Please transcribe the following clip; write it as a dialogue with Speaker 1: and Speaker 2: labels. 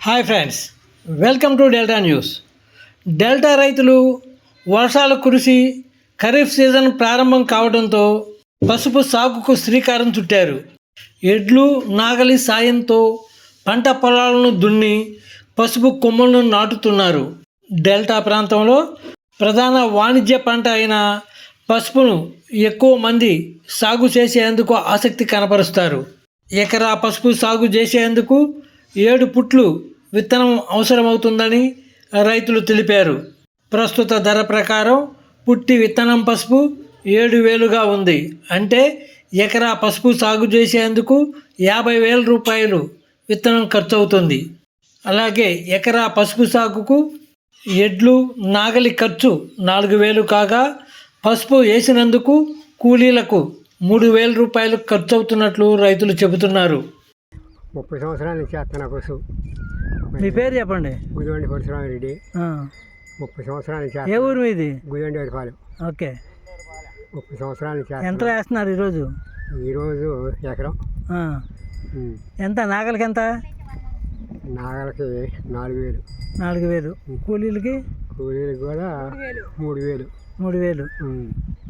Speaker 1: Hi friends, welcome to delta news. Delta రైతులు వర్షాలు కురిసి ఖరీఫ్ సీజన్ ప్రారంభం కావడంతో పసుపు సాగుకు శ్రీకారం చుట్టారు. ఎడ్లు నాగలి సాయంతో పంట పొలాలను దున్ని పసుపు కొమ్మలను నాటుతున్నారు. డెల్టా ప్రాంతంలో ప్రధాన వాణిజ్య పంట అయిన పసుపును ఎక్కువ మంది సాగు చేసేందుకు ఆసక్తి కనపరుస్తారు. ఎకరా పసుపు సాగు చేసేందుకు 7 పుట్లు విత్తనం అవసరమవుతుందని రైతులు తెలిపారు. ప్రస్తుత ధర ప్రకారం పుట్టి విత్తనం పసుపు 7,000గా ఉంది. అంటే ఎకరా పసుపు సాగు చేసేందుకు 50,000 రూపాయలు విత్తనం ఖర్చు అవుతుంది. అలాగే ఎకరా పసుపు సాగుకు ఎడ్లు నాగలి ఖర్చు 4,000 కాగా పసుపు వేసినందుకు కూలీలకు 3,000 రూపాయలు ఖర్చు అవుతున్నట్లు రైతులు చెబుతున్నారు.
Speaker 2: 30 సంవత్సరాల నుంచి చేస్తున్నా పశువు.
Speaker 1: మీ పేరు చెప్పండి.
Speaker 2: గుదివండి పరశురామిరెడ్డి. 30 సంవత్సరాల నుంచి.
Speaker 1: ఏ ఊరు మీది?
Speaker 2: గుదివండి వరిపాలెం.
Speaker 1: ఓకే.
Speaker 2: 30 సంవత్సరాల నుంచి.
Speaker 1: ఎంత వేస్తున్నారు ఈరోజు?
Speaker 2: ఈరోజు ఎకరం.
Speaker 1: ఎంత నాగలికి? ఎంత
Speaker 2: నాగలకి 4,000.
Speaker 1: 4,000. కూలీలకి?
Speaker 2: కూలీలకి కూడా 3,000.
Speaker 1: 3,000.